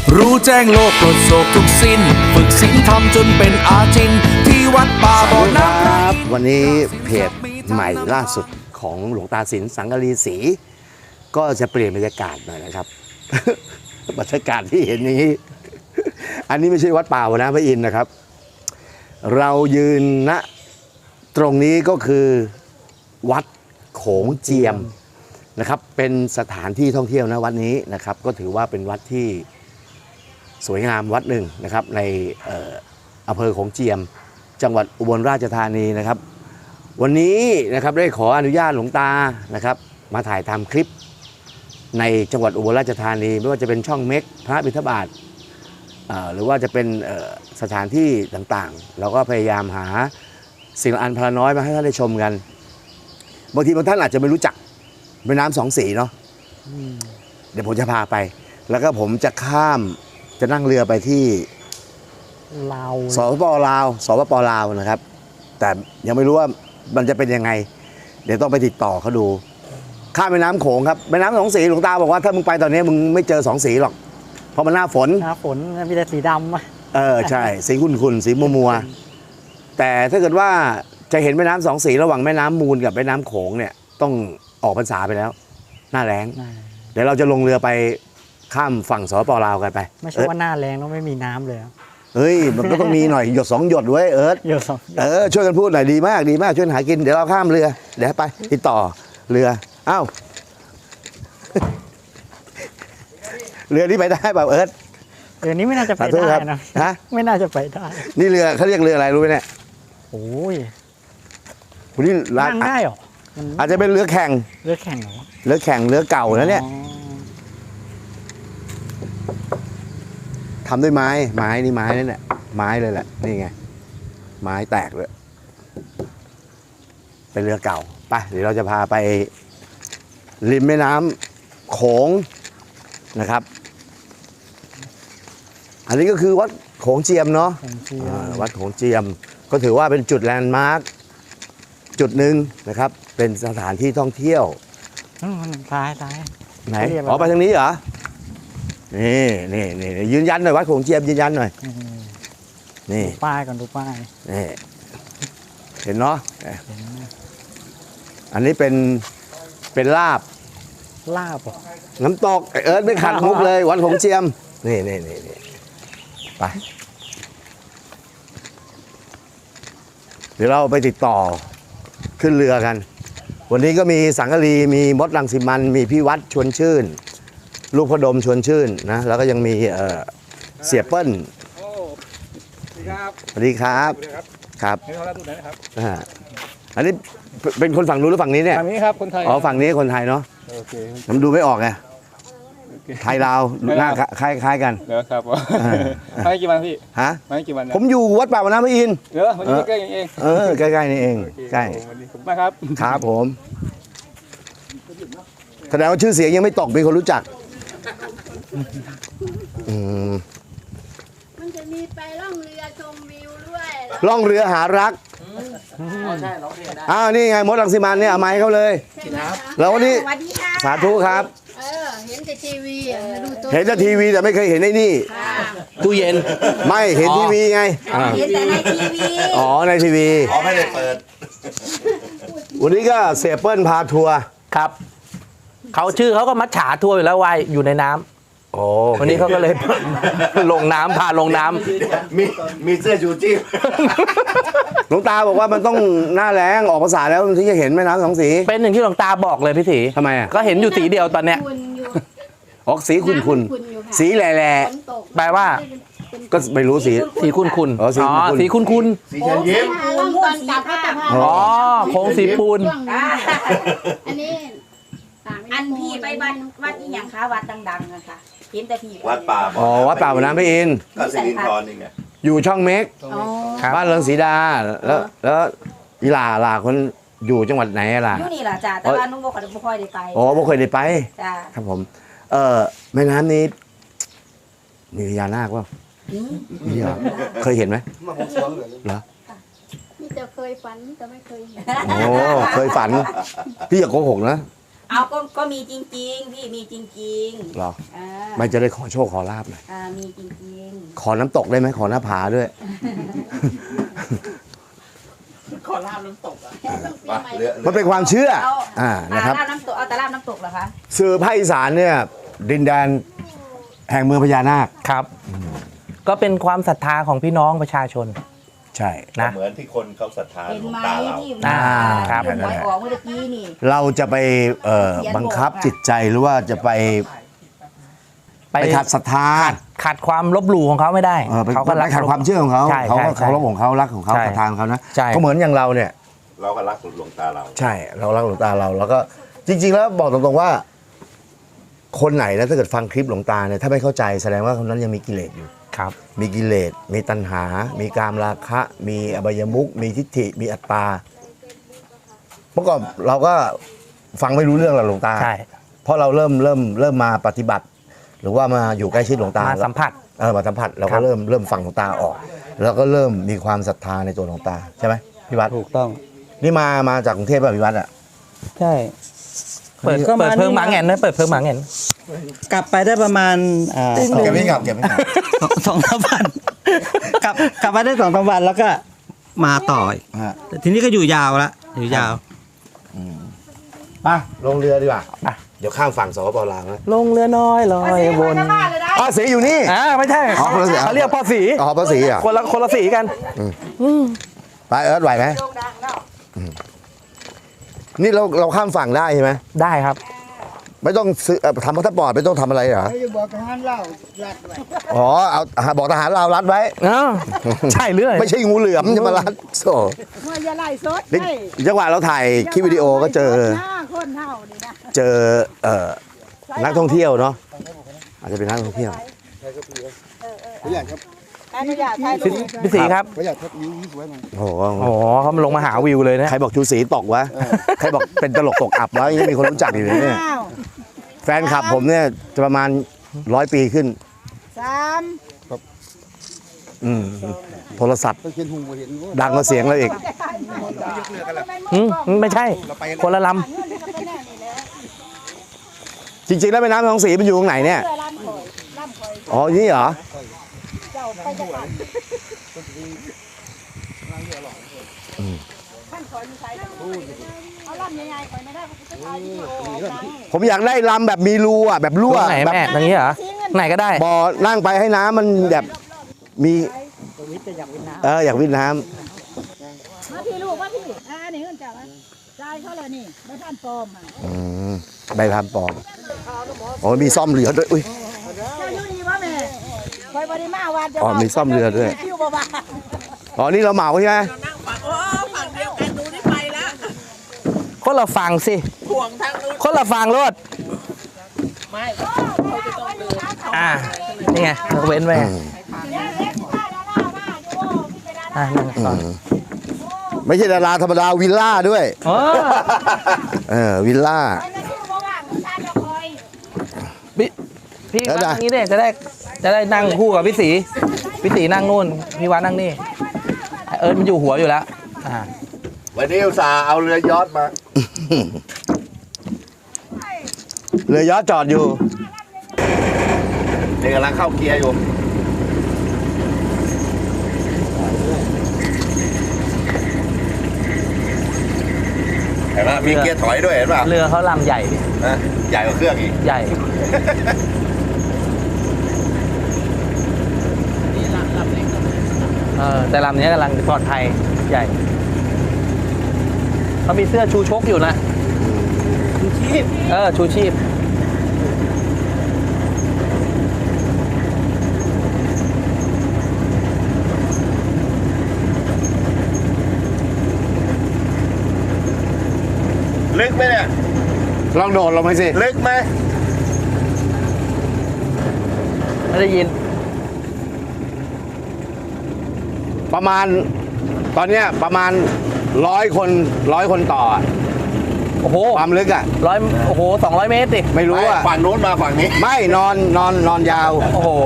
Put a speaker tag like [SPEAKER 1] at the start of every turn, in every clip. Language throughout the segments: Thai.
[SPEAKER 1] รู้แจ้งโลกปลดโศกทุกสิ้นฝึกศีลธรรมจนเป็นอาจินที่วัดป่าบ่อน้ำครับ
[SPEAKER 2] วันนี้เพจใหม่ล่าสุดของหลวงตาสินสังกะรีศรีก็จะเปลี่ยนบรรยากาศหน่อยนะครับ บรรยากาศที่เห็นอย่างนี้ อันนี้ไม่ใช่วัดป่าบ่อน้ำพระอินทร์นะครับ เรายืนณตรงนี้ก็คือวัดโขงเจียมนะครับเป็นสถานที่ท่องเที่ยวนะวัดนี้นะครับก็ถือว่าเป็นวัดที่สวยงามวัดหนึ่งนะครับในอำเภอโขงเจียมจังหวัดอุบลราชธานีนะครับวันนี้นะครับได้ขออนุญาตหลวงตานะครับมาถ่ายทำคลิปในจังหวัดอุบลราชธานีไม่ว่าจะเป็นช่องเม็กพระบิณฑบาตหรือว่าจะเป็นสถานที่ต่างๆเราก็พยายามหาสิ่งอันพลน้อยมาให้ท่านได้ชมกันบางทีบางท่านอาจจะไม่รู้จักแม่น้ำสองสีเนาะเดี๋ยวผมจะพาไปแล้วก็ผมจะข้ามจะนั่งเรือไปที่
[SPEAKER 3] ลาว
[SPEAKER 2] สปปลาวนะครับแต่ยังไม่รู้ว่ามันจะเป็นยังไงเดี๋ยวต้องไปติดต่อเขาดูข้ามแม่น้ำโขงครับแม่น้ำสองสีหลวงตาบอกว่าถ้ามึงไปตอนนี้มึงไม่เจอสองสีหรอกเพราะมันหน้าฝน
[SPEAKER 3] มีแต่สีดำ
[SPEAKER 2] ใช่สีขุ่นๆสีมัวๆแต่ถ้าเกิดว่าจะเห็นแม่น้ำสองสีระหว่างแม่น้ำมูลกับแม่น้ำโขงเนี่ยต้องออกพรรษาไปแล้วหน้าแล้งเดี๋ยวเราจะลงเรือไปข้ามฝั่งสปปลาวกันไป
[SPEAKER 3] ไม่ใช่ว่าหน้าแรงแล้วไม่มีน้ำเลย
[SPEAKER 2] เฮ้ยมันก็ต้องมีหน่อยหยดสองหยดไว้
[SPEAKER 3] หยดสอง
[SPEAKER 2] ช่วยกันพูดหน่อยดีมากช่วยหากินเดี๋ยวเราข้ามเรือเดี๋ยวไปติดต่อเรืออ้าวเรือนี้ไปได้เปล่าเ
[SPEAKER 3] รือนี้ไม่น่าจะไปได้นะ
[SPEAKER 2] ฮะ
[SPEAKER 3] ไม่น่าจะไปได้
[SPEAKER 2] นี่เรือเขาเรียกเรืออะไรรู้ไหมเนี่ย
[SPEAKER 3] โอ้ย
[SPEAKER 2] คุณนี่
[SPEAKER 3] นั่งได้หรอ
[SPEAKER 2] อาจจะเป็นเรือแข่ง
[SPEAKER 3] เหรอ
[SPEAKER 2] เรือแข่งเรือเก่าแล้วเนี่ยทำด้วยไม้นี่ไม้นั่นแหละไม้เลยแหละนี่ไงไม้แตกเลยเป็นเรือเก่าไปเดี๋ยวเราจะพาไปริมแม่น้ำโขงนะครับอันนี้ก็คือวัดโขงเจียมเนาะวัดโขงเจียมก็ถือว่าเป็นจุดแลนด์มาร์คจุดหนึ่งนะครับเป็นสถานที่ท่องเที่ยว
[SPEAKER 3] ซ้าย
[SPEAKER 2] ไหนไปทางนี้เหรอนี่ยืนยันหน่อยวัดโขงเจียมยืนยันหน่อยนี่
[SPEAKER 3] ป้ายก่อนดูป้าย
[SPEAKER 2] นี่เห็นเนาะอันนี้เป็นลาบน้ำตกไม่ขัดมุกเลยวัดโขงเจียมนี่ไปเดี๋ยวเราไปติดต่อขึ้นเรือกันวันนี้ก็มีสังกะรีมีมดรังสิมันมีพี่วัดชวนชื่นลูกพดมชวนชื่นนะแล้วก็ยังมีเสียเปิ้ลสวัสดีครับครับอันนี้เป็นคนฝั่งนู้นหรือฝั่งนี้เนี่ย
[SPEAKER 4] ฝั่งนี้ครับคนไทย
[SPEAKER 2] ฝั่งนี้คนไทยเนาะผมดูไม่ออกไงไทยลาวหน้าคล้ายกัน
[SPEAKER 4] เดี๋ยวครับมากี่วันพี่
[SPEAKER 2] ฮะ
[SPEAKER 4] มากี่วัน
[SPEAKER 2] ผมอยู่วัดป่าบ่อน้ำพระอินทร์
[SPEAKER 4] มันอยู่ใกล้เอง
[SPEAKER 2] ใกล้ๆนี่เองใกล้
[SPEAKER 4] มาครับ
[SPEAKER 2] ครับผมแสดงว่าชื่อเสียงยังไม่ตกมีคนรู้จัก
[SPEAKER 5] มันจะมีไปล่องเรือชมวิวด้วย
[SPEAKER 2] ล่องเรือหารักนี่ไงมดรังสิมันเนี่ยเอาไม้เขาเลยแล้ววันนี้สาธุครับ
[SPEAKER 5] เห็นแต่ทีวี
[SPEAKER 2] เห็นแต่ทีวีแต่ไม่เคยเห็นไอ้นี่
[SPEAKER 3] ตู้เย็น
[SPEAKER 2] ไม่เห็นทีวีไง
[SPEAKER 5] เห็นแต่ในทีวี
[SPEAKER 2] ในทีวี
[SPEAKER 6] ไม่ได้เปิด
[SPEAKER 2] วันนี้ก็เสียเปิ้ลพาทัวร์
[SPEAKER 3] ครับเขาชื่อเขาก็มัดฉาทัวร์อยู่แล้วว่ายอยู่ในน้ำวันนี้เขาก็เลยลงน้ำพาลงน้
[SPEAKER 6] ำมีเสื้อชูชีพ
[SPEAKER 2] หลวงตาบอกว่ามันต้องหน้าแล้งออกภาษาแล้วถึงจะเห็นแม่น้ำสองสี
[SPEAKER 3] เป็นอย่างที่หลวงตาบอกเลยพี่ศรี
[SPEAKER 2] ทำไมอ่ะ
[SPEAKER 3] ก็เห็นอยู่สีเดียวตอนเนี้ย
[SPEAKER 2] ออกสีขุ่นสีแหล่
[SPEAKER 3] แปลว่า
[SPEAKER 2] ก็ไม่รู้สี
[SPEAKER 3] ขุ่นสีขุ่น
[SPEAKER 6] สีเชิญยิ้ม
[SPEAKER 3] โค้งสีปูน
[SPEAKER 5] อันนี้
[SPEAKER 7] อันพี่ไปวัดนี่อย่างคะวัดดังๆนะคะเห็นแต่พี่
[SPEAKER 6] วัดป่า
[SPEAKER 2] วัดป่าบ่อน้ำพระอินทร์
[SPEAKER 6] ก็สิรินทรนี่ไง
[SPEAKER 2] อยู่ช่องเม็กบ้านเรืองศรีดาแล้วอีหล่าคนอยู่จังหวัดไหนล่ะ
[SPEAKER 7] อยู่นี่ล่ะจ้าแต่ว่านุ่งบ่ค่อยได้ไป
[SPEAKER 2] บ่เคยได้ไป
[SPEAKER 7] จ้า
[SPEAKER 2] ครับผมแม่น้ำนี้มีพญานาคป่ะมีเหรอเคยเห็นไหมเหรอ
[SPEAKER 5] นี่จะเคยฝันแต่ไม่เคยเห็น
[SPEAKER 2] เคยฝันพี่อย่าโกหกนะ
[SPEAKER 7] เอาก็มีจริง ๆ พี่มีจริง
[SPEAKER 2] เหรอ
[SPEAKER 7] ๆอ่า
[SPEAKER 2] ไม่จะได้ขอโชคขอลาบหน่อย
[SPEAKER 7] มีจริง
[SPEAKER 2] ขอน้ำตกได้ไหมขอหน้าผาด้วย
[SPEAKER 6] ไปเรือ
[SPEAKER 2] มันเป็นความเชื่อ
[SPEAKER 7] ๆเอา
[SPEAKER 2] นะครับ
[SPEAKER 7] ลาบน้ำตกเอาแต่ลาบน้ำตกเหรอคะ
[SPEAKER 2] สื่อภาคอีสานเนี่ยดินแดนแห่งเมืองพญานาค
[SPEAKER 3] ครับ ก็เป็นความศรัทธาของพี่น้องประชาชน
[SPEAKER 2] ใช่
[SPEAKER 3] นะ
[SPEAKER 6] เหมือนที่คนเขาศรัทธา
[SPEAKER 7] เห็น
[SPEAKER 6] หลวง
[SPEAKER 7] ไหม
[SPEAKER 6] ตาเรา
[SPEAKER 7] ที่
[SPEAKER 3] ครับ
[SPEAKER 7] เรื่องหวยออกเมื่อกี้นี่
[SPEAKER 2] เราจะไปบังคับจิตใจหรือว่าจะไปขัดศรัทธา
[SPEAKER 3] ขัดความลบหลู่ของเขาไม่ได้
[SPEAKER 2] ไป
[SPEAKER 3] เขาก็รัก
[SPEAKER 2] ขัดความเชื่อของเขา
[SPEAKER 3] ใช่
[SPEAKER 2] เขาก็
[SPEAKER 3] ใช่
[SPEAKER 2] เคารพของเขารักของเขา
[SPEAKER 3] ใช่
[SPEAKER 2] ศรัทธาของเขานะ
[SPEAKER 3] ใช่
[SPEAKER 2] ก็เหมือนอย่างเราเนี่ย
[SPEAKER 6] เราก็รักหลวงตาเรา
[SPEAKER 2] ใช่เรารักหลวงตาเราแล้วก็จริง ๆ แล้วบอกตรงๆว่า คนไหนนะถ้าเกิดฟังคลิปหลวงตาเนี่ยถ้าไม่เข้าใจแสดงว่าคนนั้นยังมีกิเลสอยู่
[SPEAKER 3] ครับ
[SPEAKER 2] มีกิเลสมีตัณหา มีกามราคะ มีอบายมุขมีทิฏฐิมีอัตตาเมื่อก่อนเราก็ฟังไม่รู้เรื่องหรอกหลวงตา
[SPEAKER 3] ใช่
[SPEAKER 2] เพราะเราเริ่มมาปฏิบัติ หรือว่ามาอยู่ใกล้ชิดหลวงตา
[SPEAKER 3] มาสัมผัส
[SPEAKER 2] มาสัมผัสเรา
[SPEAKER 3] ครั
[SPEAKER 2] ก็
[SPEAKER 3] บ
[SPEAKER 2] เริ่มฟังหลวงตาออก แล้วก็เริ่มมีความศรัทธาในตัวหลวงตาใช่ไหมพี่วัด
[SPEAKER 4] ถูกต้อง
[SPEAKER 2] นี่มาจากกรุงเทพป่ะพี่วัดอ่ะ
[SPEAKER 8] ใช่
[SPEAKER 3] เปิด
[SPEAKER 8] ก็มา
[SPEAKER 3] เพิ่ง
[SPEAKER 8] นี่
[SPEAKER 3] หมาแงนนะเปิดเพิ่งหมาแงน
[SPEAKER 8] กลับไปได้ประมาณ
[SPEAKER 2] เก็บไม่กลับเก็บไม่กลับ
[SPEAKER 8] สองสามวันกลับไปได้สองสามวันแล้วก็มาต่ออีก
[SPEAKER 2] ฮะ
[SPEAKER 8] แต่ทีนี้ก็อยู่ยาวละอยู่ยาว
[SPEAKER 2] ไปลงเรือดีกว่าเดี๋ยวข้ามฝั่งสปปลาวนะ
[SPEAKER 3] ลงเรือน้อยลอยวน
[SPEAKER 2] สีอยู่นี่
[SPEAKER 3] ไม่ใช่
[SPEAKER 2] อ๋อคนละสี
[SPEAKER 3] เขาเรียกพ่อสี
[SPEAKER 2] อ๋อภาษีอ่ะ
[SPEAKER 3] คนละสีกัน
[SPEAKER 2] ไปเอิร์ธไหวไหมนี่เราข้ามฝั่งได้ใช่ไหม
[SPEAKER 3] ได้ครับ
[SPEAKER 2] ไม่ต้องซื้อทำพาสปอร์ตไม่ต้องทำอะไรเหรอ
[SPEAKER 5] จะบอกทหารเล่าลัดไว้
[SPEAKER 2] อ๋อเอาบอกทหารเราวรัดไว้
[SPEAKER 3] ใช่เรื่อย
[SPEAKER 2] ไม่ใช่งูเหลือมจะมารัดโซ่
[SPEAKER 5] เมื่อจะไล่สด
[SPEAKER 2] นี่จังหวะเราถ่ายคลิปวิดีโอก็เจอ
[SPEAKER 5] หน้าคนเท่านี่นะ
[SPEAKER 2] เจอนักท่องเที่ยวเนาะอาจจะเป็นนักท่องเที่ยว
[SPEAKER 5] อนุญาตถ่ายรูป
[SPEAKER 3] พี่สีครับ
[SPEAKER 2] โอ้โห
[SPEAKER 3] โอ้โหเขามาลงมาหาวิวเลยนะ
[SPEAKER 2] ใครบอกชูศรีตกวะใครบอกเป็นตลกตกอับวะยังมีคนรู้จักอยู่เลยเนี่ย
[SPEAKER 5] อ้าว
[SPEAKER 2] แฟนคลับผมเนี่ยจะประมาณ100 ปีขึ้น
[SPEAKER 5] 3
[SPEAKER 2] โทรศัพท์ดังกว่าเสียงเราอีก
[SPEAKER 3] ไม่ใช่ คนละล
[SPEAKER 2] จริงๆแล้วแม่น้ำคลองศรีมันอยู่ตรงไหนเนี่ย
[SPEAKER 5] เพื่อล้ำข่อยล้ำข่อย
[SPEAKER 2] อ๋อนี่เหรอ
[SPEAKER 5] เจ้าไปจังหวัดท่านข่อยมีใครเอาล้ำใหญ่ๆข่อยไม่ได้เขาจะถ่ายวิดีโอดัง
[SPEAKER 2] ผมอยากได้ลำแบบมีรูอ่ะแบบ
[SPEAKER 3] ำ
[SPEAKER 2] รั่ว
[SPEAKER 3] ตรงไหน
[SPEAKER 2] แบบ
[SPEAKER 3] แม่ตรงนี้เหรอ ไหนก็ได้
[SPEAKER 2] บ่อนั่งไปให้น้ำมันแบบมีอยากวิทย์น้
[SPEAKER 5] มาพี่ลูกมาพี่นี่เงินเจ้าจ่ายเขาเลยนี่ไม่ท่านปลอมอ่ะ
[SPEAKER 2] ำใบพานปลอมอ๋อมีซ่อมเรือด้วยอุ้ย
[SPEAKER 5] เจ้าอยู่นี่วะแม่คอยบริมาวันจะ
[SPEAKER 2] อ๋อมีซ่อมเรือด้วย
[SPEAKER 5] คิวบ่บ่า
[SPEAKER 2] อ๋อนี่เราเหมาใช่ไหม
[SPEAKER 3] คนละฟังสิคนละฟังรถนี่ไงยกเว้นไว้นั่งก่อน
[SPEAKER 2] ไม่ใช่ดาราธรรมดาวิลล่าด้วย วิลล่า
[SPEAKER 3] พี่วัดนั่งนี้เนี่ยจะได้นั่งคู่กับพี่สีนั่งนู่นพี่วัดนั่งนี่มันอยู่หัวอยู่แล้ว
[SPEAKER 6] วันนี้อุตส่าห์เอาเรือยอชต์มา
[SPEAKER 2] เรือยอชต์จอดอยู่
[SPEAKER 6] เด็กกำลังเข้าเกียร์อยู่เห็นไหมมีเกียร์ถอยด้วยเห็นป่ะ
[SPEAKER 3] เรือเขาลำใหญ่ดิ
[SPEAKER 6] นะใหญ่กว่าเครื่องอีก
[SPEAKER 3] ใหญ่แต่ลำนี้กำลังปลอดภัยใหญ่เขามีเสื้อชูชกอยู่นะชูชีพชูชีพ
[SPEAKER 6] ลึกไหมเนี่ย
[SPEAKER 2] ลองโดดลงไปสิ
[SPEAKER 6] ลึกไหม
[SPEAKER 3] ไม่ได้ยิน
[SPEAKER 2] ประมาณตอนเนี้ยประมาณ100 คนต่ออะ
[SPEAKER 3] โอ้โห
[SPEAKER 2] ความลึกอ่ะ
[SPEAKER 3] โอ้โห200 เมตรดิ
[SPEAKER 2] ไม่รู้อ่ะ
[SPEAKER 6] ฝั่งโน้นมาฝั่งนี้
[SPEAKER 2] ไม่นอนยาว
[SPEAKER 3] โอ้โห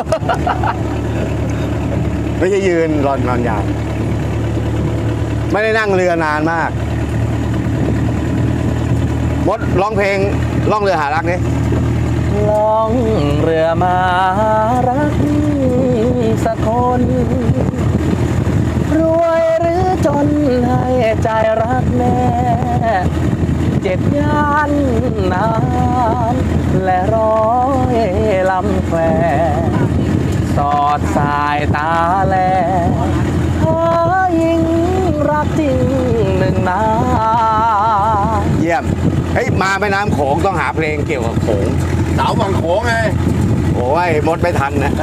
[SPEAKER 2] ไม่ใช่ยืนนอนยาว ไม่ได้นั่งเรือนานมากมดร้องเพลงล่องเรือหารักนี่
[SPEAKER 3] ล่องเรือมารักสักคน รวยหรือจนให้ใจรักแน่เจ็ดย่านน้ำและร้อยลำแควสอดสายตาแลหายิ่งรักจริงหนึ่งนา
[SPEAKER 2] เยี่ยมเฮ้ยมาแม่น้ำโขงต้องหาเพลงเกี่ยวกับโขง
[SPEAKER 6] สาวบางโขงไง
[SPEAKER 2] โอ้ยมดไม่ทันนะ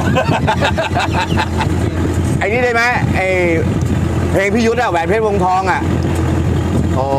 [SPEAKER 2] ไอ้นี่ได้ไหมไอ้เพลงพี่ยุทธอะแหวนเพชรวงทองอะโอ้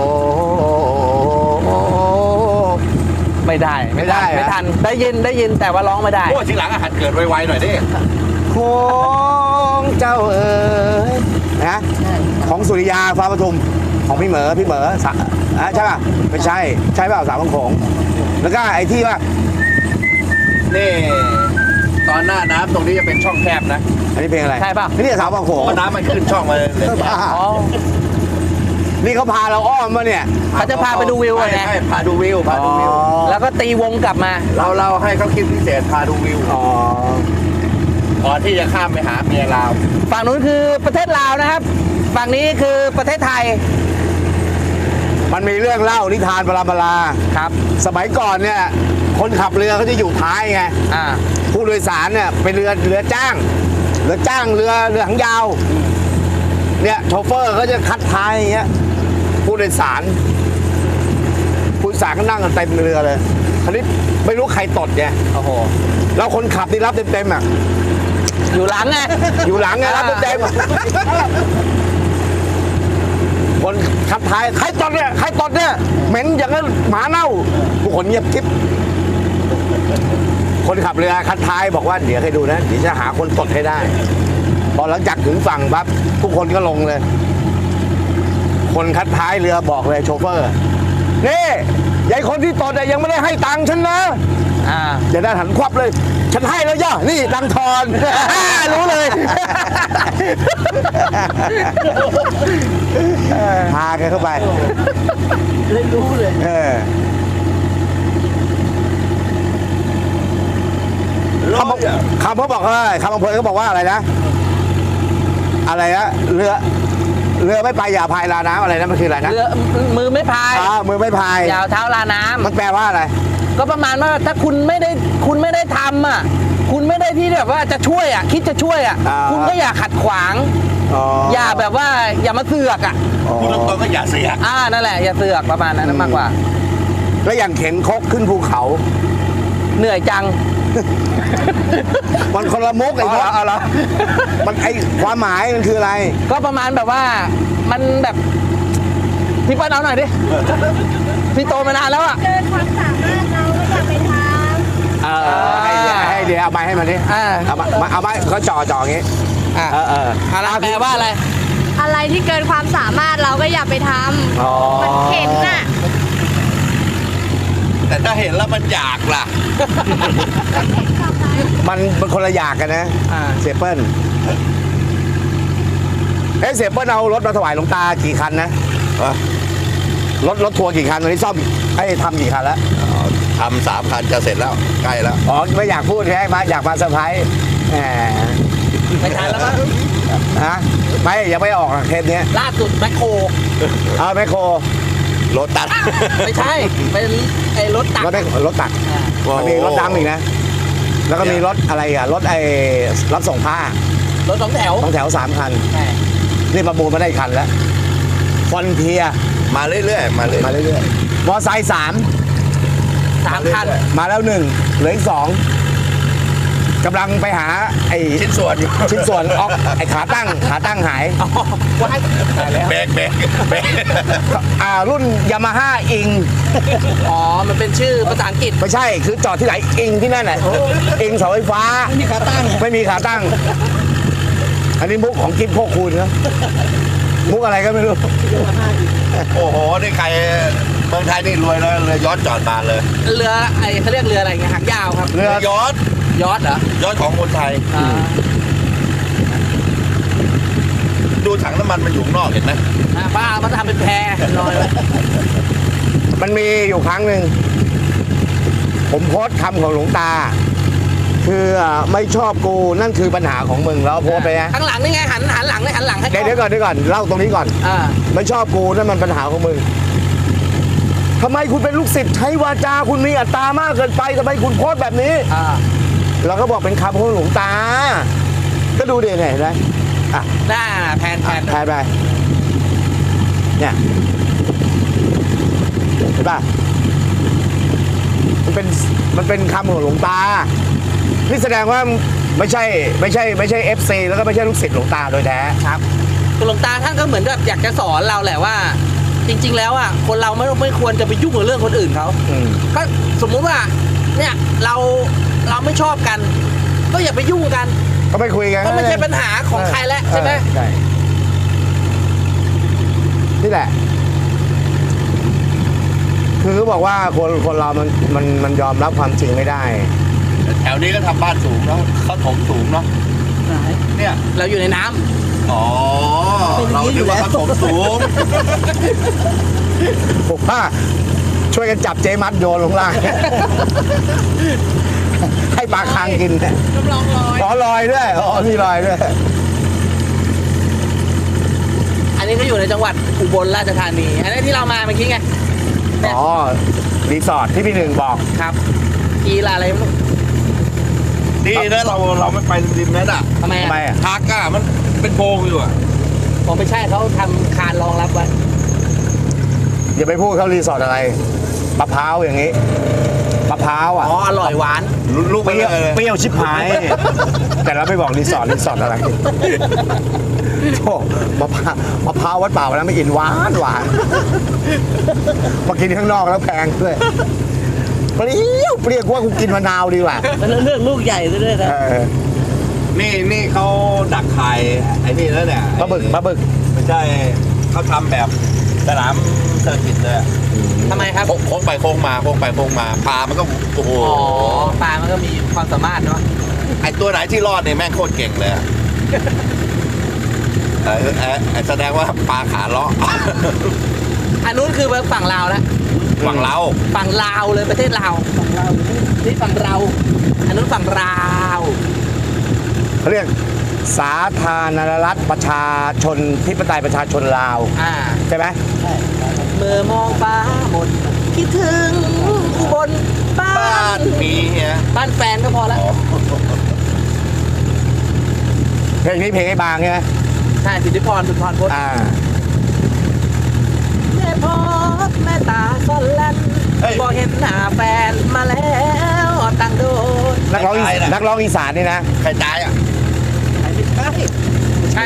[SPEAKER 3] ไม่ได้
[SPEAKER 2] ไม่ได้เหรอ
[SPEAKER 3] ไม่ทันได้ยินแต่ว่าร้องไม่ได้
[SPEAKER 6] โอ้ทีหลังอาหารเกิดไวๆหน่อยดิ
[SPEAKER 2] โขงเจ้าเอ๋ยนะของสุริยาฟ้าปทุมของพี่เหมอใช่ป่ะไม่ใช่ใช่เปล่าสาวบางโขงแล้วก็ไอ้ที่ว่า
[SPEAKER 6] นี่ตอนหน้าน้ำตรงนี้จะเป็นช่องแคบนะ
[SPEAKER 2] อันนี้เพลงอะไร
[SPEAKER 3] ใช่ป่ะ
[SPEAKER 2] นี่สาวบางโขง
[SPEAKER 6] เพราะน้ำมันขึ้นช่องมาเลย
[SPEAKER 2] บ้า
[SPEAKER 3] อ๋อ
[SPEAKER 2] นี่เขาพาเราอ้อมมาเนี่ย
[SPEAKER 3] เขาจะพาไปดูวิวอะนะ
[SPEAKER 6] ใช่พาดูวิวพาดูวิว
[SPEAKER 3] แล้วก็ตีวงกลับมา
[SPEAKER 6] เราให้เขาคิดพิเศษพาดูวิว
[SPEAKER 2] อ๋อ
[SPEAKER 6] ก่อนที่จะข้ามไปหาเมียลาว
[SPEAKER 3] ฝั่งนู้นคือประเทศลาวนะครับ ฝั่งนี้คือประเทศไทย
[SPEAKER 2] มันมีเรื่องเล่านิทานปรามลา
[SPEAKER 3] ครับ
[SPEAKER 2] สมัยก่อนเนี่ยคนขับเรือเขาจะอยู่ท้ายไง
[SPEAKER 3] อ่า
[SPEAKER 2] ผู้โดยสารเนี่ยเป็นเรือจ้างเรือหางยาวเนี่ยโชเฟอร์เขาจะคัดท้ายอย่างเงี้ยผู้โดยสารก็นั่งกันเต็มเรือเลยคราวนี้ไม่รู้ใครตดไง
[SPEAKER 3] โอ้โห
[SPEAKER 2] แล้วคนขับนี่รับเต็มๆอ่ะ
[SPEAKER 3] อยู่หลังไง
[SPEAKER 2] อยู่หลังไงรับเต็มๆคนขับท้ายใครตดเนี่ยเหม็นอย่างนั้นหมาเน่าทุกคนเงียบกิ๊บคนขับเรือคัดท้ายบอกว่าเดี๋ยวให้ดูนะเดี๋ยวจะหาคนตดให้ได้ พอหลังจากถึงฝั่งปั๊บทุกคนก็ลงเลย คนคัดท้ายเรือบอกเลยโชเฟอร์นี่ยายคนที่ตดยังไม่ได้ให้ตังค์ฉันนะ
[SPEAKER 3] อ่า
[SPEAKER 2] อย่าได้หันควับเลย ฉันให้แล้วย่านี่ตังค์ทอน รู้เลย พาแกเข้าไปเลยรู้เลยคำเขาบอกว่าคำอำเภอเขาบอกว่าอะไรนะเรือไม่ไปอย่าพายลาน้ำอะไรนะมันคืออะไรนะ
[SPEAKER 3] เรือมือไม่พาย
[SPEAKER 2] มือไม่พาย
[SPEAKER 3] ยาวเท้าลาน้ำ
[SPEAKER 2] มันแปลว่าอะไร
[SPEAKER 3] ก็ประมาณว่าถ้าคุณไม่ได้ทำอ่ะ คุณไม่ได้ที่แบบว่าจะช่วยอ่ะ คิดจะช่วยอ่ะ คุณก็อย่าขัดขวาง อย่าแบบว่าอย่ามาเสือกอ่ะ
[SPEAKER 6] พูดตรงๆก็อย่าเสีย
[SPEAKER 3] นั่นแหละอย่าเสือกประมาณนั้นมากกว่า
[SPEAKER 2] แล้วอย่างเข็นคกขึ้นภูเขา
[SPEAKER 3] เหนื่อยจัง
[SPEAKER 2] มันคนละมุกไอ้พวก
[SPEAKER 3] เอาเหรอ
[SPEAKER 2] มันไอ้ความหมายมันคืออะไร
[SPEAKER 3] ก็ประมาณแบบว่ามันแบบพี่ป้าเอาหน่อยดิ พี่โตมานานแล้วอ่ะ
[SPEAKER 5] เกินความสามารถเราก็อย่าไปทำ
[SPEAKER 2] ให้เดี๋ยวเอาไม้ให้มันดิ เอาไม้เขาจ่ออย่างงี้
[SPEAKER 3] อะไรแปลว่าอะไร
[SPEAKER 9] อะไรที่เกินความสามารถเราก็อย่าไปทำมันเข็นน่ะ
[SPEAKER 6] แต่ถ้าเห็นแล้วมันอยากล่ะ
[SPEAKER 2] มันคนละอย่างกันนะ เสียเปิ้ลเสียเปิ้ลเอารถมาถวายหลวงตากี่คันนะรถทัวร์กี่คันตอนนี้ซ่อมทำกี่คันแล้ว
[SPEAKER 6] ทำ3 คันจะเสร็จแล้วใกล้แล้ว
[SPEAKER 2] อ๋อไม่อยากพูดแค่อยากมาเซอร์ไพรส์แหม
[SPEAKER 3] ไม่ทันแล้วมั้ง
[SPEAKER 2] ฮะไม่ยังไม่ออกเทปนี้
[SPEAKER 3] ล่าสุดแมคโคร
[SPEAKER 2] แมคโคร
[SPEAKER 6] รถตัด
[SPEAKER 3] ไม่ใช่ เป็นไอ้รถตัก
[SPEAKER 2] รถตักมันมีรถดำอีกนะ แล้วก็มีรถอะไรอ่ะรถรับส่งผ้าร
[SPEAKER 3] ถ2 แถว
[SPEAKER 2] 2 แถว 3 คัน
[SPEAKER 3] ใช่
[SPEAKER 2] นี่ประมูลมาได้คันแล้วฟอนเทีย
[SPEAKER 6] มาเรื่อยๆ
[SPEAKER 2] มาเรื่อยๆมอไซค์3
[SPEAKER 3] 3 คัน
[SPEAKER 2] มาแล้ว1เหลืออีก2กำลังไปหาไอ้
[SPEAKER 6] ชิ้นส่วนอยู่
[SPEAKER 2] ชิ้นส่วนออกไอ้ขาตั้งหาย
[SPEAKER 3] ว้ายตายแล้ว
[SPEAKER 6] เบรก
[SPEAKER 2] รุ่นยามาฮ่าอิง
[SPEAKER 3] อ๋อ มันเป็นชื่อภาษาอังกฤษ
[SPEAKER 2] ไม่ใช่คือจอดที่ไหนอิงที่นั่นแหละอิงเสาไฟฟ้าไม่มีขาตั้งอันนี้มุกของกิฟต์โคคูณครับมุกอะไรก็ไม่รู้
[SPEAKER 6] โอ้โห นี่ใครเมืองไทยนี่รวยแล้วเลยย้อนจอดมาเลย
[SPEAKER 3] เรือเขาเรียกเรืออะไรเงี้ยหางยาวครับ
[SPEAKER 2] เรือ
[SPEAKER 6] ย้อน
[SPEAKER 3] ยอดเหรอ
[SPEAKER 6] ย้อนของคนไทย ดูถังน้ำมันมันอยู่ข้างนอกเห็นไหม
[SPEAKER 3] บ้ามาทำเป็นแพลอยไว้
[SPEAKER 2] มันมีอยู่ครั้งหนึ่งผมโพสต์คำของหลวงตา คือไม่ชอบกูนั่นคือปัญหาของมึงแล้วโพสต์ไปนะ
[SPEAKER 3] ข้างหลังนี่ไงหันหลังเลยหันหลังให้
[SPEAKER 2] เดี๋ยวก่อนเล่าตรงนี้ก่อน
[SPEAKER 3] อ่า
[SPEAKER 2] ไม่ชอบกูนั่นมันปัญหาของมึงทำไมคุณเป็นลูกศิษย์ใช้วาจาคุณมีอัตตามากเกินไปทำไมคุณโพสต์แบบนี้
[SPEAKER 3] อ่า
[SPEAKER 2] เราก็บอกเป็นคำของหลวงตา ก็ดูเดี๋ยวเห็นไหมอ่ะ
[SPEAKER 3] หน้าแพน
[SPEAKER 2] แทนไปเนี่ยเห็นป่ะมันเป็นคำของหลวงตานี่แสดงว่าไม่ใช่ FC แล้วก็ไม่ใช่ลูกศิษย์หลวงตาโดยแท้
[SPEAKER 3] ครับคุณหลวงตาท่านก็เหมือนแบบอยากจะสอนเราแหละว่า จริง ๆ แล้วอ่ะคนเราไม่ควรจะไปยุ่งกับเรื่องคนอื่นเขา
[SPEAKER 2] อืม
[SPEAKER 3] ก็สมมุติว่าเนี่ยเราไม่ชอบกัน ก็อย่าไปยุ่งกัน
[SPEAKER 2] ก็ไม่คุยกัน
[SPEAKER 3] ก็ไม่ใช่ปัญหาของใครแล้วใช่ไหม
[SPEAKER 2] ใช่นี่แหละ คือเขาบอกว่าคนเรามันยอมรับความจริงไม่ได้
[SPEAKER 6] แถวนี้ก็ทำบ้านสูงเนาะเขาถมสูงเนาะเนี่ย
[SPEAKER 3] เราอยู่ในน้ำ
[SPEAKER 6] อ๋อเราคิดว่าเขาถมสูง
[SPEAKER 2] ผมว่าช่วยกันจับเจมัดโยนลงล่าง ให้ปลาคางกินเนี่ย
[SPEAKER 3] น้ำลองลอย
[SPEAKER 2] อ๋อลอยด้วยอ๋อมีลอยด้วย
[SPEAKER 3] อันนี้ก็อยู่ในจังหวัดอุบลราชธานี อันนี้ที่เรามาเมื่อกี้ไง
[SPEAKER 2] อ๋อรีสอร์ทที่พี่หนึ่งบอก
[SPEAKER 3] ครับกีฬาอะไรไม่รู้
[SPEAKER 6] ดีนะเราไม่ไปริมนั้นอ่ะ
[SPEAKER 3] ทำไม
[SPEAKER 2] ทำไม
[SPEAKER 3] อ่ะ
[SPEAKER 2] อ่ะ
[SPEAKER 6] ทาก้ามันเป็นโพรงอยู่อ่ะ
[SPEAKER 3] ผมไม่ใช่เขาทำคานรองรับไว้
[SPEAKER 2] อย่าไปพูดเขารีสอร์ทอะไรมะพร้าวอย่างนี้มะพร้าวอ่ะ
[SPEAKER 3] อ๋ออร่อยหวาน
[SPEAKER 6] ลูก
[SPEAKER 2] เป
[SPEAKER 6] ไป
[SPEAKER 2] รี้ยว
[SPEAKER 6] เลย
[SPEAKER 2] เปรี้ยวชิบหาย แต่เราไม่บอกรีสอร์ทอะไรโอ้มะพร้าววัดป่าวันนั้นไม่อินหวานมากินข้างนอกแล้วแพงด้วยเปรี้ยวว่ากูกินมะนาวดีกว่า
[SPEAKER 3] แล้วเลือกลูกใหญ่ซะด้วยนะ
[SPEAKER 6] นี่เขาดักไข่ไอ้นี่แล้วเนี่ย
[SPEAKER 2] ปลาบึก
[SPEAKER 6] ไม่ใช่เขาทำแบบสนามเซอร์กิตเลยอะ
[SPEAKER 3] ทำไมครับ
[SPEAKER 6] โค้งไปโค้งมาปลามันก็โอ้โห
[SPEAKER 3] อ๋อปลามันก็มีความสามารถเนาะ
[SPEAKER 6] ไอตัวไหนที่รอดเนี่ยแม่งโคตรเก่งเลยอะแสดงว่าปลาขาเลาะ
[SPEAKER 3] อันนู้นคือฝั่งลาวแล้ว
[SPEAKER 6] ฝั่งเรา
[SPEAKER 3] ฝั่งลาวเลยประเทศลาวฝั่งลาวนี่ฝั่งเรา อันนู้นฝั่งลาว
[SPEAKER 2] เขาเรียกสาธารณรัฐประชาชนธิปไตยประชาชนลาว
[SPEAKER 3] อ่า
[SPEAKER 2] ใช่ไหม
[SPEAKER 3] เมื่อมองฟ้าหมดคิดถึงอุบลบ้า
[SPEAKER 6] บ้าน
[SPEAKER 3] น
[SPEAKER 6] มีเฮีย
[SPEAKER 3] บ้านแฟนก็พอแล้ว
[SPEAKER 2] เพลงนี้เพลงไอ้บางใช่ไหม
[SPEAKER 3] ใช่สิทธิพรสุนทรพจน์
[SPEAKER 2] อ่า
[SPEAKER 3] แม่พอแม่ตาซ่อนแลนบอกเห็นหน้าแฟนมาแล้วตั้งโดน
[SPEAKER 2] นักร้องอีสานนี่นะ
[SPEAKER 6] ใครตายอ่ะ
[SPEAKER 3] ใช่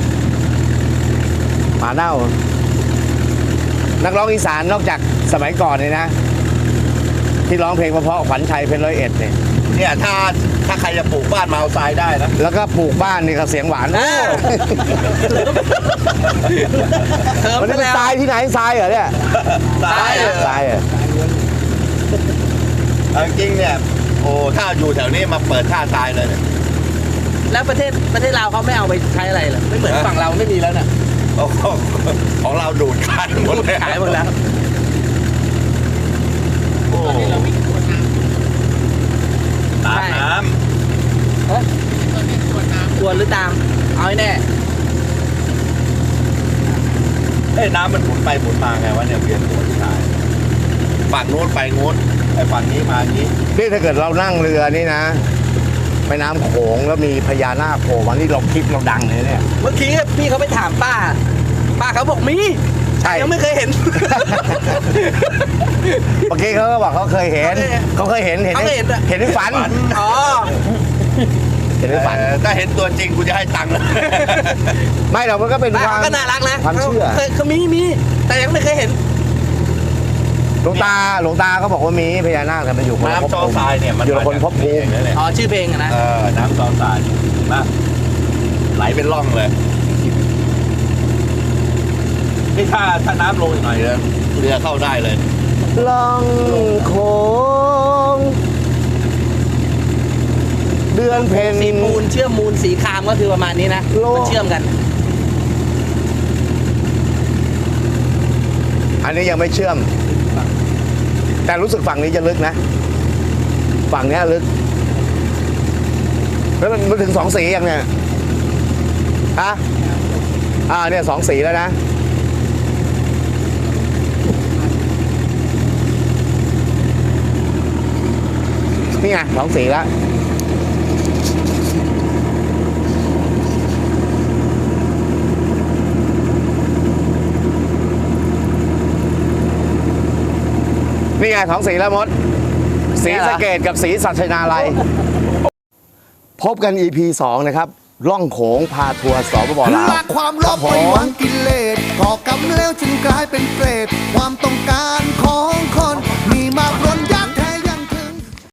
[SPEAKER 2] หมาเน่า นักร้องอีสานนอกจากสมัยก่อนนี่นะ ที่ร้องเพลงเพราะๆขวัญชัยเพชร101เนี่ย
[SPEAKER 6] เนี่ยถ้าใครจะปลูกบ้านมาเอาทรายได้นะ
[SPEAKER 2] แล้วก็ปลูกบ้านนี่ก็เสียงหวาน
[SPEAKER 3] อ่า เติม
[SPEAKER 2] มัน
[SPEAKER 3] ไป
[SPEAKER 2] เป็น
[SPEAKER 3] แล้ว
[SPEAKER 2] ทรายที่ไหนทรายเหรอเนี่ย
[SPEAKER 6] ทราย
[SPEAKER 2] ทรายเหรอ
[SPEAKER 6] เอาจริงๆเนี่ยโอ้ถ้าอยู่แถวนี้มาเปิดท่าทรายเลยเนี่ย
[SPEAKER 3] แล้วประเทศลาวเขาไม่เอาไปใช้อะไรเหรอไม่เหมือนฝั่งเราไม่มีแล้วน่ะ
[SPEAKER 6] โอ้โหของเราดูดคันหมดเลย
[SPEAKER 3] ขายหมดแล้ว
[SPEAKER 6] โอ้ตามน้
[SPEAKER 3] กวนหรือตาม เอาให้แน่
[SPEAKER 6] ำน้ำมันหมุนไปหมุนมาไงวะเนี่ยเวียนหัวที่ทายฝั่งนู้นไปงูนไอ้ฝั่งนี้มาอย่างนี้
[SPEAKER 2] นี่ถ้าเกิดเรานั่งเรือนี่นะแม่น้ำโขงแล้วมีพญานาคโผล่มานี่เราคลิปเราดังเลยเนี่ย
[SPEAKER 3] เมื่อกี้พี่เขาไปถามป้าเขาบอกมี
[SPEAKER 2] ใช่
[SPEAKER 3] ยังไม่เคยเห็น
[SPEAKER 2] เมื่อกี้เขาก็บอกเขาเคยเห็นในฝัน
[SPEAKER 3] อ๋อ
[SPEAKER 2] เห็นในฝัน
[SPEAKER 6] ถ้าเห็นตัวจริงกูจะให้ตังค์นะ
[SPEAKER 2] ไม่เรามันก็เป็น
[SPEAKER 3] ป้า
[SPEAKER 2] ความ
[SPEAKER 3] ก็น่ารักนะ
[SPEAKER 2] ความเชื่อ
[SPEAKER 3] เขามีแต่ยังไม่เคยเห็น
[SPEAKER 2] หลวงตาก็บอกว่ามีพญานาคแต่มันอยู่คนละภพ
[SPEAKER 6] น้ำจอ
[SPEAKER 2] ภูมิ
[SPEAKER 6] ทรายเนี่ยมัน
[SPEAKER 2] อยู่ละคนภพภูมิ
[SPEAKER 6] นั่นแหละ
[SPEAKER 3] อ๋อชื่อเพลงอะนะ
[SPEAKER 6] น้ำจอทรายนะไหลเป็นร่องเลยนี่ถ้าน้ำลงอีกหน่อยเรือเข้าได้เลย
[SPEAKER 2] ล่องโขงเดือนเพ็ญ
[SPEAKER 3] สีมูลเชื่อมมูลสีครามก็คือประมาณนี้นะ
[SPEAKER 2] โล
[SPEAKER 3] มันเชื่อมกัน
[SPEAKER 2] อันนี้ยังไม่เชื่อมแต่รู้สึกฝั่งนี้จะลึกนะ ฝั่งเนี้ยลึก แล้วมันถึง2 สียังเนี่ยฮะเนี่ย2 สีแล้วนะ นี่ไง2 สีแล้ว นี่ไง2 สีแล้วมด สีสะเกดกับสีสัชนาลัย พบกัน EP 2 นะครับ ล่องโขงพาทัวร์สปปลาว
[SPEAKER 1] ละความโลภไปหวังกิเลสก่อกรรมแล้วจึงกลายเป็นเปรตความต้องการของคน มีมากล้นยักษ์